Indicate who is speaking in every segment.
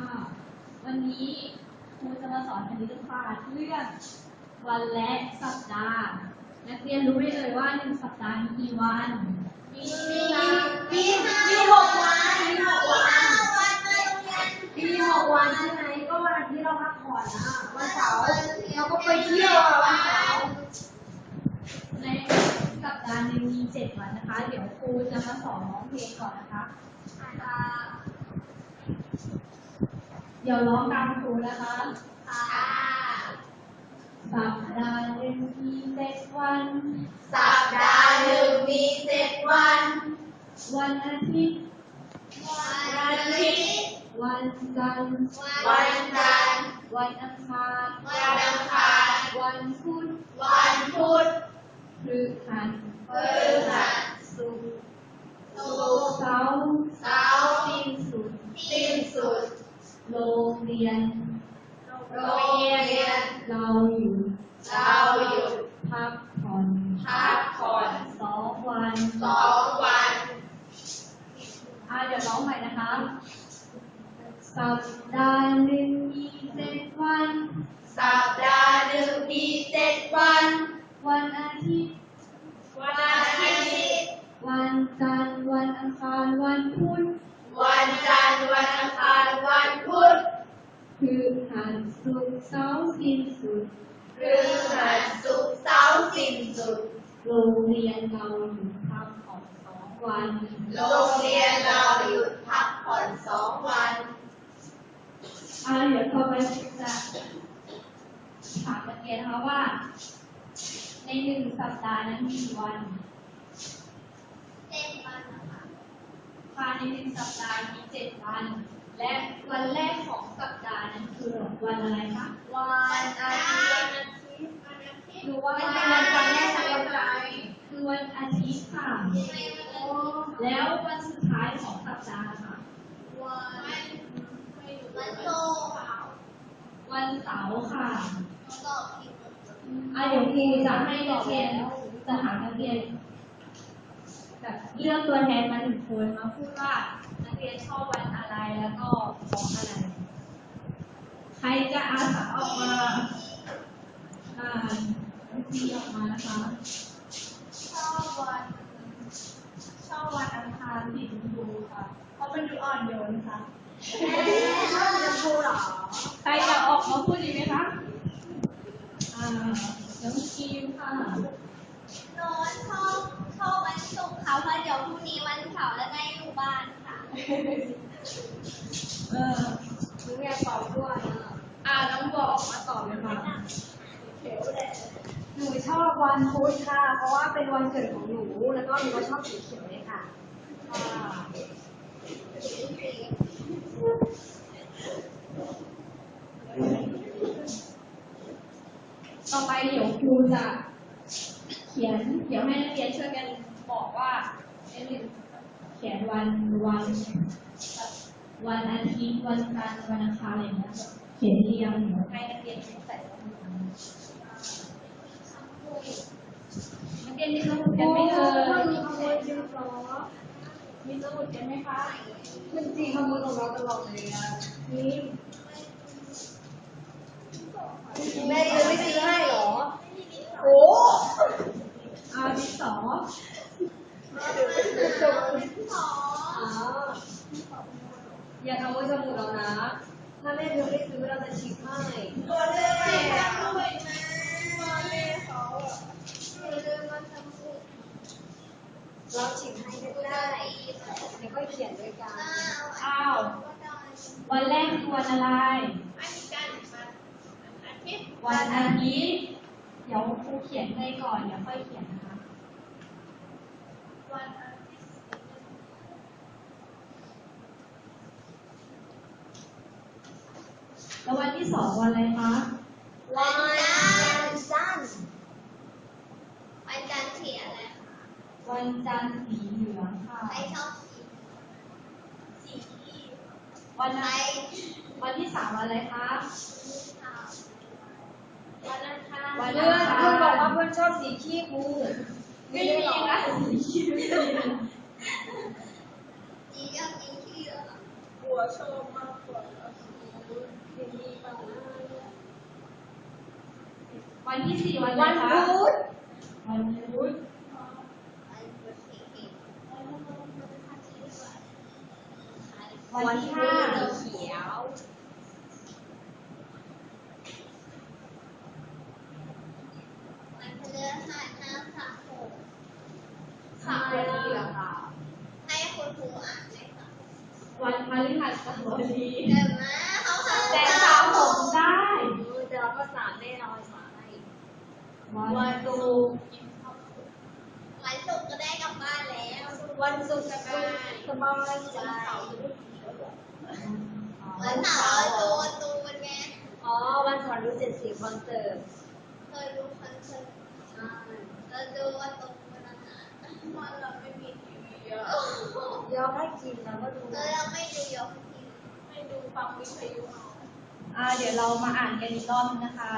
Speaker 1: วันนี้ครูจะมาสอนคณิตศาสตร์เรื่องวันและสัปดาห์นักเรียนรู้ได้เลยว่า1 สัปดาห์มีกี่วัน
Speaker 2: มี6 วันใช่ไหมก็วันอาทิตย์เราพักผ่อนนะวันเสาร์เราก็ไปเที่ยววันเสาร์
Speaker 1: ในสัปดาห์หนึ่งมี7 วันนะคะเดี๋ยวครูจะมาสอนร้องเพลงก่อนนะคะเดี๋ยวร้องตามครูนะคะสัปดาห์หนึ่งมี7 วัน
Speaker 2: สัปดาห์หนึ่งมี7 วัน
Speaker 1: วันอาทิตย์วันจันทร์วันอังคารวันพุธพฤหัสศุกร์เสาร์สิ้นสุดโรงเรียนเราหยุดพักผ่อน2 วันเดี๋ยวร้องใหม่นะคะสัปดาห์หนึ่งมี7 วันวันอาทิตย์วันจันทร์วันอังคารวันพุธพฤหัสศุกร์เสาร์สิ้นสุดโรงเรียนเราหยุดพักผ่อน2 วันเดี๋ยวต่อไปจะถามนักเรียนนะคะว่าใน1 สัปดาห์นั้นมีกี่วันภายใน1 สัปดาห์มี 7 วันและวันแรกของสัปดาห์นั้นคือวันอะไรคะ
Speaker 2: วันอาทิตย์
Speaker 1: หรือว่า
Speaker 2: มันเป็นวันจันทร์แรกวันอะไร
Speaker 1: คือวันอาทิตย์ค่ะแล้ววันสุดท้ายของสัปดาห์ค่ะวันเสาร์ค่ะเดี๋ยวครูจะให้นักเรียนจะถามนักเรียนแบบเลือกตัวแทนมา1 คนมาพูดว่านักเรียนชอบวันอะไรแล้วก็เพราะอะไรใครจะอาสาออกมาทีออกมานะคะชอบวันอังคารสีชมพูค่ะเพราะมันดูอ่อนโยนค่ะ
Speaker 2: ชอบสีชมพูเหรอ
Speaker 1: ใครจะออกมาพูดดีไหมคะน้องคิมค่ะ
Speaker 3: โน้ตชอบวันศุกร์ค่ะเพราะเดี๋ยวพรุ่งนี้วันเสาร์แล้วได้อยู่บ้านค่ะ
Speaker 2: หนูอยากตอบด้วย
Speaker 1: น้องบอกมาตอบเลยค่ะ
Speaker 2: หนูชอบวันพุธค่ะเพราะว่าเป็นวันเกิดของหนูแล้วก็หนูก็ชอบสีเขียวเลยค่ะ
Speaker 1: ต่อไปเดี๋ยวครูจะเขียนเดี๋ยวให้นักเรียนช่วยกันบอกว่าเขียนวันอาทิตย์วันจันทร์วันอังคารอะไรอย่างเงี้ยเขียนเรียงเดี๋ยวให้นักเรียนใส่สมุดนักเรียนมีสมุดกันไหมมีสมุดกันไหมคะ
Speaker 2: มันจีขโมยของเราตลอดเลยนี่แม่ยังไม่ซื้อให้เหรอโอ้
Speaker 1: ดินสอ
Speaker 2: อย่าทำว่าจมูกเรานะถ้าแม่เธอไม่ซื้อเราจะฉีกให้ตัวเล่เราฉีกให้ก็ได้เดี๋ยวก็เขียนด้วยกัน
Speaker 1: วันแรกคือวันอะไรวันอาทิตย์เดี๋ยวครูเขียนให้ก่อนเดี๋ยวค่อยเขียนนะคะแล้ววันที่ 2วันอะไรคะ
Speaker 3: วันจันทร์สีอะไร
Speaker 1: วันจันทร์สีเหลืองค่ะ
Speaker 3: ใครชอบสี
Speaker 1: วันที่ 3วันอะไรคะ
Speaker 3: วันอังคาร
Speaker 2: เพื่อนบอกว่าเพื่อนชอบสีขี้กู
Speaker 1: ไม่มีนะสีขี้ไม่มี
Speaker 3: สีอยากกินขี้เหรอ
Speaker 2: หัวชอบมากกว่า
Speaker 1: วันที่สี่วัน
Speaker 2: วัน
Speaker 1: อะไรคะ
Speaker 2: พุธ
Speaker 1: วันพุธ
Speaker 2: วันที่ห้าสีเขียว
Speaker 3: วันพฤหัสห้ามสระผม
Speaker 2: สามวันนี้เหรอคะ
Speaker 3: ให้คุณครูอ่านให้ฟัง
Speaker 1: วันพฤหัสบดี
Speaker 3: เดี๋ยวนะเขาห้าม
Speaker 1: แต่สระผมได้
Speaker 2: แต่เราก็สามแน่นอนสามให้
Speaker 1: วันศุกร์
Speaker 3: วันศุกร์ก็ได้กลับบ้านแล้ว
Speaker 2: วันศุกร์สบายใจ
Speaker 3: วันเสาร์ดูการ์ตูนไง
Speaker 2: อ๋อวันเสาร์รู้70คอนเสิร์ต
Speaker 3: เคยดูคอนเสิร์ต
Speaker 2: ใช่
Speaker 3: เราดูการ์ตูนวันนั้นวันเราไม่มีทีวีเยอะ
Speaker 2: ยอมให้กินแล้วก็ดู
Speaker 3: แล้วเราไม่ดูยกทีไม่ดูฟังวิทยุเอา
Speaker 1: เดี๋ยวเรามาอ่านกันอีกรอบนึงนะคะ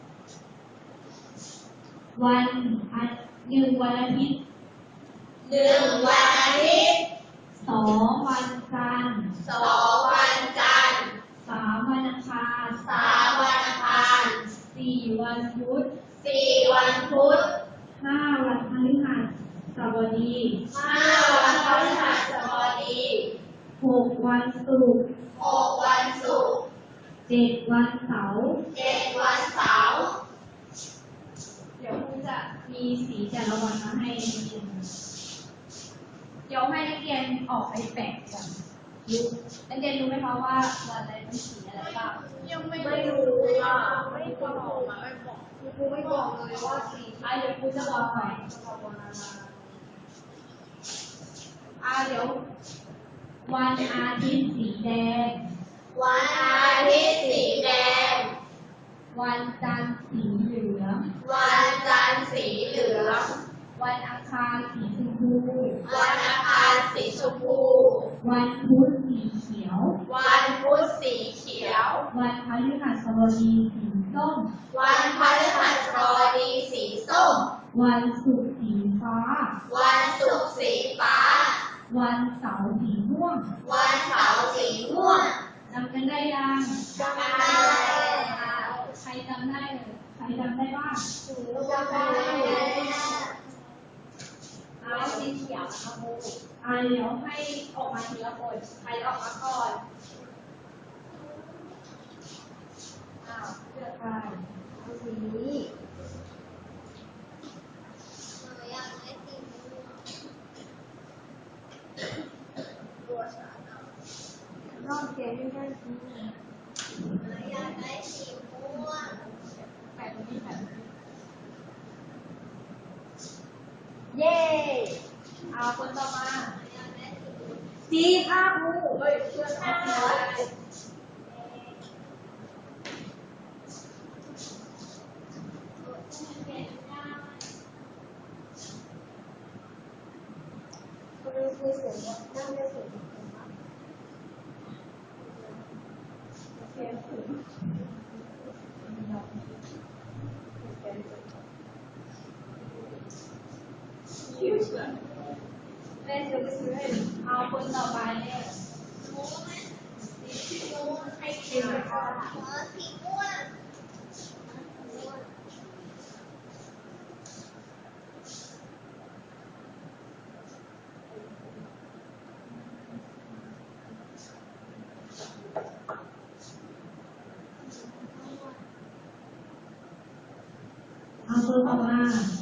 Speaker 1: วันหนึ่งวันอาทิตย์
Speaker 3: 1 วันอาทิตย์
Speaker 1: สองวันจันทร์
Speaker 3: 2 วันจันทร์
Speaker 1: สามวันอังคาร
Speaker 3: 3 วันอังคาร
Speaker 1: สี่วันพุธ
Speaker 3: 4 วันพุธ
Speaker 1: ห้าวันพฤหัสบดี
Speaker 3: 5 วันพฤหัสบดี
Speaker 1: หกวันศุกร์
Speaker 3: 6 วันศุกร์
Speaker 1: เจ็ดวันเสาร์
Speaker 3: 7 วันเสาร์
Speaker 1: เดี๋ยวครูจะมีสีแต่ละวันมาให้นักเรียนเดี๋ยวให้นักเรียนออกไปแปะก่อนรู้นักเรียนรู้ไหมคะว่าวันอะไรเป็นสีอะไรบ้าง
Speaker 3: ยังไม่
Speaker 2: ไม่รู้อ่ะ
Speaker 3: ไม่บอกมาไม่บอก
Speaker 2: ครูไม่บอกเลยว่าสี
Speaker 1: เดี๋ยวครูจะบอกหน่อยเดี๋ยววันอาทิตย์สีแดง
Speaker 3: วันอาทิตย์สีแดง
Speaker 1: วันจันทร์สีเหลือง
Speaker 3: วันจันทร์สีเหลือง
Speaker 1: วันอังคารสีชมพู
Speaker 3: วันอังคารสีชมพู
Speaker 1: วันพุธสีเขียว
Speaker 3: วันพุธสีเขียว
Speaker 1: วันพฤหัสบดีสีส้ม
Speaker 3: วันพฤหัสบดีสีส้ม
Speaker 1: วันศุกร์สีฟ้า
Speaker 3: วันศุกร์สีฟ้า
Speaker 1: วันเสาร์สีม่วง
Speaker 3: วันเสาร์สีม่วง
Speaker 1: จำกันได้ยัง
Speaker 3: จำได้
Speaker 1: ใครจำได้เลยใครจำได้บ้าง
Speaker 3: จำได้
Speaker 2: แล้วสีเขียวนะคะครู
Speaker 1: เดี๋ยวให้ออกมาทีละคนใครออกมาก่อนเลือกใคร
Speaker 2: เอาสีนี้
Speaker 3: หนูอยากได้สีม่วงตัวฉันอะ
Speaker 2: รอบเกมไม่ได้สี
Speaker 3: หนูอยากได้สีม่วง
Speaker 1: แปะตรงนี้แปะตรงนี้
Speaker 2: เย้
Speaker 1: คนต่อมา
Speaker 3: หนูอยากได้สีม่วง
Speaker 2: สีค่ะครูเฮ้ยเชื่อค่ะ คุณครูเสียงนั่งได้เสียงมาก
Speaker 1: แม่จะไปซื้อให้คนต่อไปเนี่ย
Speaker 3: ม่วงไหมสีม่วงให้
Speaker 2: สีค่ะ
Speaker 3: สีม่วง
Speaker 1: คนต่อมา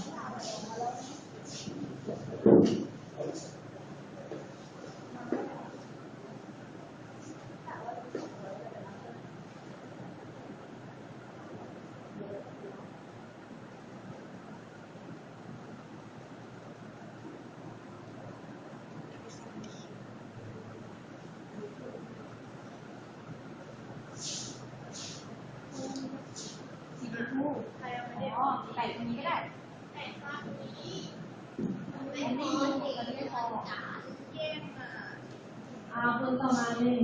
Speaker 1: สีชมพูแปะตรงนี้ก็ได้
Speaker 3: แต่ภาพนี้ไม่พอสีมันจานแย่งมา
Speaker 1: คนต่อมาเลย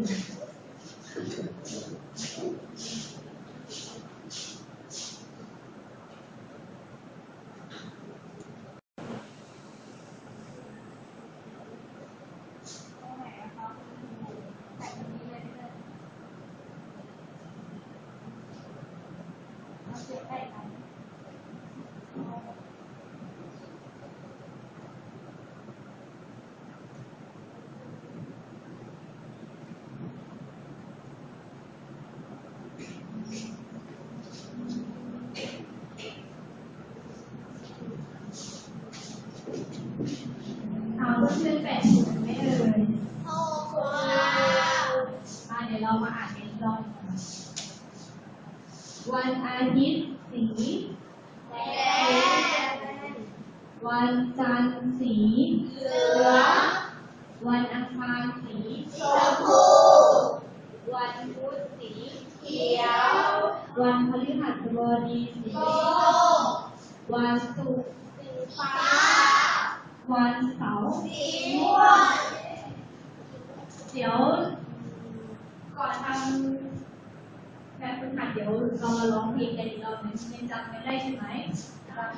Speaker 1: วันอาทิตย์สีแดงวันจันทร์สีเหลืองวันอังคารสีชมพูวันพุธสีเขียววันพฤหัสบดีสีส้มวันศุกร์สีฟ้าวันเสาร์สีม่วงเดี๋ยวก่อนทำแบบฝึกหัดเดี๋ยวเรามาร้องเพลงกันอีกรอบนึงยังจำไม่ได้ใช่ไหมจำ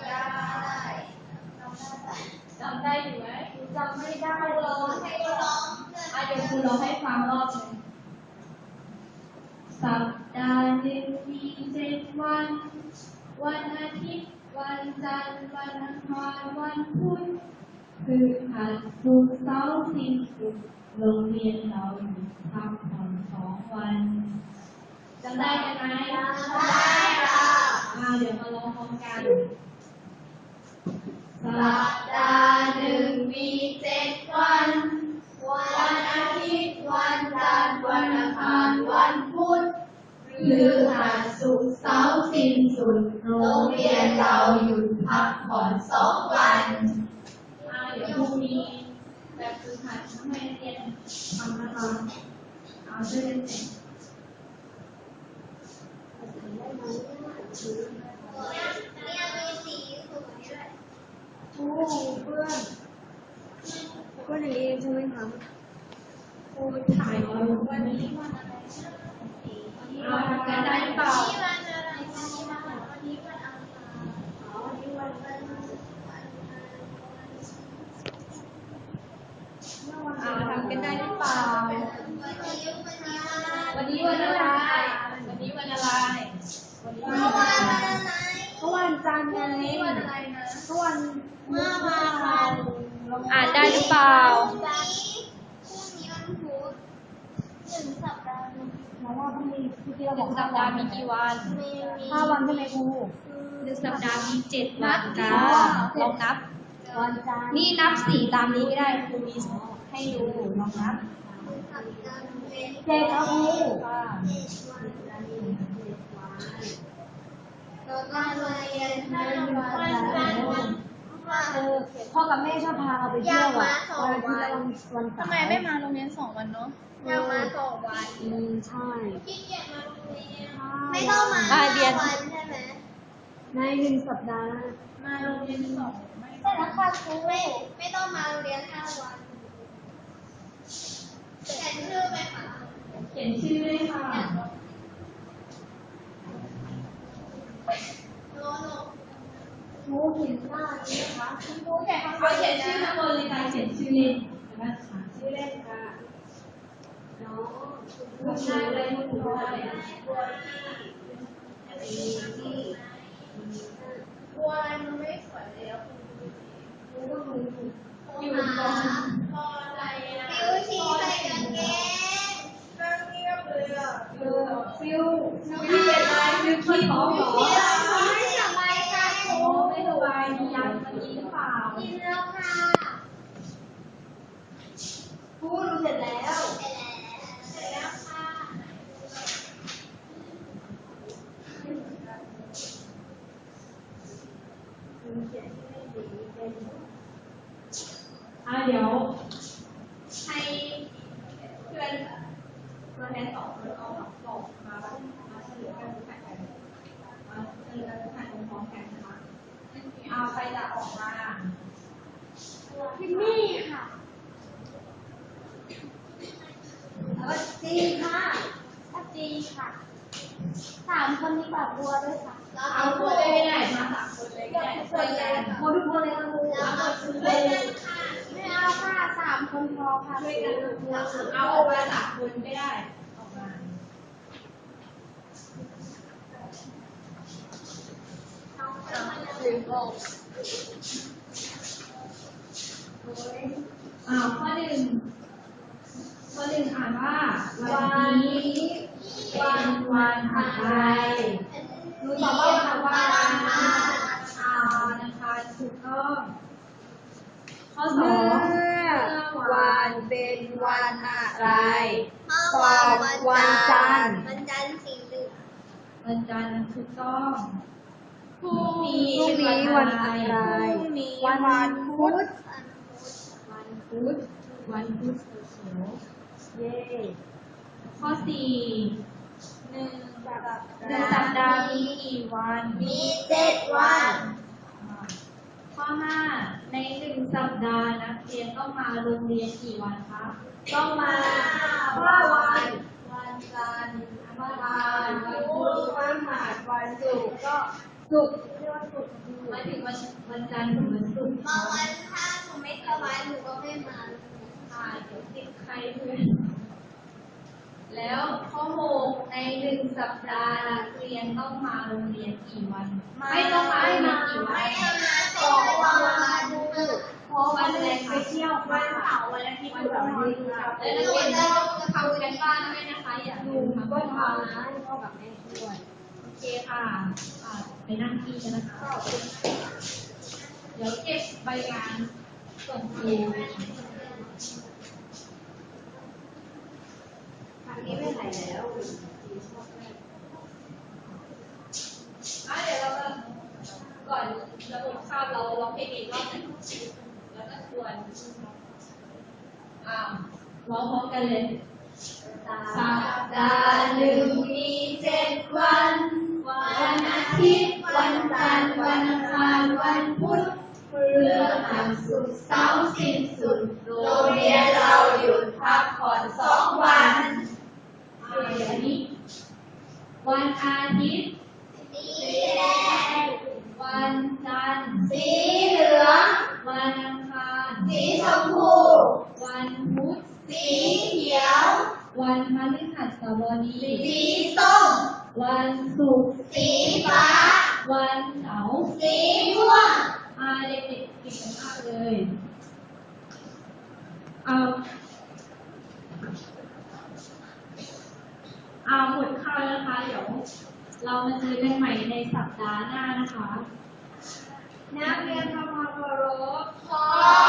Speaker 1: ได้อยู่ไหมจำไม่ได้ร้องให้ร้องเดี๋ยวครูร้องให้ฟังรอบนึงสัปดาห์หนึ่งมี7 วันวันอาทิตย์วันจันทร์วันอังคารวันพุธพฤหัสศุกร์เสาร์สิ้นสุดโรงเรียนเราหยุดพักผ่อน2 วันจำได้ไหมจำได้ค่ะเดี๋ยวมาลองพร้อมกันสัปดาห์หนึ่งมี7 วันวันอาทิตย์วันจันทร์วันอังคารวันพุธพฤหัสศุกร์เสาร์สิ้นสุดโรงเรียนเราหยุดพักผ่อน2 วันเดี๋ยวพรุ่งนี้แบบฝึกหัดให้นักเรียนทำนะคะช่วยกันเสร็จ
Speaker 2: โอ้เพื่อนอย่างนี้ใช่ไหมคะ
Speaker 1: ครูถ่ายเอาวันนี้วันอะไรทำกันได้หรือเปล่าทำกันได้หรือเปล่าวันนี้วันอะไรวันนี้วันอะไร
Speaker 2: ก็วันจันทร์ไง
Speaker 1: วันอะไรนะ
Speaker 2: ก็วันเมื่อวาน
Speaker 1: อ่านได้หรือเปล่า
Speaker 3: พรุ่งนี้วันพุธ1 สัปดาห์
Speaker 2: แล้วว่าต้องมีที่เรา
Speaker 1: 1 สัปดาห์มีกี่วัน
Speaker 2: 5 วันใช่ไหมครู
Speaker 1: 1 สัปดาห์มี7 วันค่ะลองนับ
Speaker 2: วันจันทร์
Speaker 1: นี่นับ4ตามนี้ก็ได้ครูมีให้ดูลองนับ
Speaker 2: 7ครับครูพ่อกับแม่ชอบพาเราไปเที่ยววันอาทิตย์และวันเสาร์
Speaker 1: ทำไมไม่มาโรงเรียน2 วันเนาะ
Speaker 3: อยากมา2 วัน
Speaker 2: ใช่
Speaker 3: ขี้เกียจมาโรงเรียนไม่ต้องมาวันใช่ไหม
Speaker 2: ใน1 สัปดาห์
Speaker 1: มาโรงเรียน2
Speaker 3: ใช่แล้วค่ะครูไม่ต้องมาโรงเรียน5 วันเขียนชื่อไหมคะ
Speaker 1: เขียนชื่อด้วยค่ะ
Speaker 2: ครูเขียนหน้านี้นะคะ
Speaker 3: ครูเขียนข้างบน
Speaker 1: เขียนชื่อข้างบนเลยค่ะเขียนชื่อเล่น
Speaker 2: นะคะชื่อเล่นค่ะน้อง
Speaker 1: คุณได้เลยคุณได้
Speaker 3: บัวอะไรมันไม่สวยเลยอ่ะ
Speaker 2: คุณก็คือ
Speaker 1: อยู่ก่อน
Speaker 3: ฟิวชีใส่กางเกงนั่งเงียบเลยอ่ะ
Speaker 1: ฟิวเป็นไรฟิวขี้ท้องเหรอ
Speaker 3: ไม่สบายค่ะครู
Speaker 1: ไม่สบายมียามากินหรือเปล่า
Speaker 3: กินแล้วค่ะ
Speaker 2: ครูรู้เสร็จแล้ว
Speaker 3: เสร็จแล้วค่ะ
Speaker 1: เดี๋ยวให้เพื่อนตัวแทน2 คนเอาบอกมาเฉลยกันผ่านกันมาเฉลยกันผ่านพร้อมกันนะคะใครจะออกมา
Speaker 3: พิมมี่ค่ะ
Speaker 2: แล้วจีค่ะ
Speaker 3: จีค่ะ3 คนนี้แบบบัวด้วยค่ะ
Speaker 1: เอาบัวได้ไม่ได้มา3 คนเลยได้คนแรก
Speaker 2: บัวทุกคนเลยค่ะครู
Speaker 3: ไม่เอาค่ะ3 คนพอค่ะ
Speaker 1: ช่วยกันเอาออกมา3 คนไม่ได้ออกมาข้อ 1อ่านว่าวันนี้เป็นวันอะไรหนูตอบว่าวันอังคารถูกต้องข้อ 2วันเป็นวันอะไร
Speaker 2: ตอบวันจันทร์
Speaker 3: สีเหลือง
Speaker 1: วันจันทร์ถูกต้องพรุ่งนี้
Speaker 2: วันอะไร
Speaker 1: พรุ่งนี้
Speaker 2: วันพุธ
Speaker 1: วันพุธวันพุธเขียว
Speaker 2: เย้
Speaker 1: ข้อ4 หนึ่งสัปดาห์มีกี่วัน
Speaker 3: มี7 วัน
Speaker 1: ข้อ5 ใน1 สัปดาห์นักเรียนต้องมาโรงเรียนกี่วันคะ
Speaker 2: ต้องมา5 วัน
Speaker 1: วันจันทร์
Speaker 2: วันพุธวันพฤหัสวันศุกร์ก็ศุกร์เรียกว่าศุกร์
Speaker 1: หมายถึงวันจันทร์ถึงวันศุกร์
Speaker 3: บางวันถ้าหนูไม่สบายหนูก็ไม่มา
Speaker 1: เดี๋ยวติดใครเพื่อนแล้วข้อ6 ใน1 สัปดาห์นักเรียนต้องมาโรงเรียนกี่วัน ไม่ต้องมาโรงเรียนกี่วัน
Speaker 3: ไม่มา2 วัน
Speaker 1: เพราะวันแรกไปเที่ยว
Speaker 2: วันเสาร์วันอาทิตย์วันอาทิตย์
Speaker 1: แล้วนักเรียนจะทำกันบ้านด้วยนะคะอย่าลืมทำ
Speaker 2: ก็
Speaker 1: กันบ้าน
Speaker 2: ทำนะให้พ่อกับแม่ช่วย
Speaker 1: โอเคค่ะไปนั่งที่กันนะคะเดี๋ยวเก็บใบงานส่งครู
Speaker 2: อันนี้ไม่ไหนแล้ว
Speaker 1: เดี๋ยวเราก่อนระบบคาบเราร้องเพลงอีกรอบหนึงแล้วก็ชวนร้องพร้อมกันเลยสัปดาห์หนึ่งมี7 วัน วันอาทิตย์วันจันทร์วันอังคารวันพุธพฤหัสศุกร์เสาร์สิ้นสุดโรงเรียนเราหยุดพักผ่อน2 วันเดี๋ยวนี้วันอาทิตย์
Speaker 3: สีแดง
Speaker 1: วันจันทร์
Speaker 3: สีเหลือง
Speaker 1: วันอังคาร
Speaker 3: สีชมพู
Speaker 1: วันพุธ
Speaker 3: สีเขียว
Speaker 1: วันพฤหัสบดี
Speaker 3: สีส้ม
Speaker 1: วันศุกร์
Speaker 3: สีฟ้า
Speaker 1: วันเสาร์
Speaker 3: สีม่วง
Speaker 1: เด็กๆเก่งกันมากเลยหมดข้าวแล้วนะคะเดี๋ยวเรามาเจอกันใหม่ในสัปดาห์หน้านะคะนักเรียนทำความเคารพ
Speaker 3: ขอ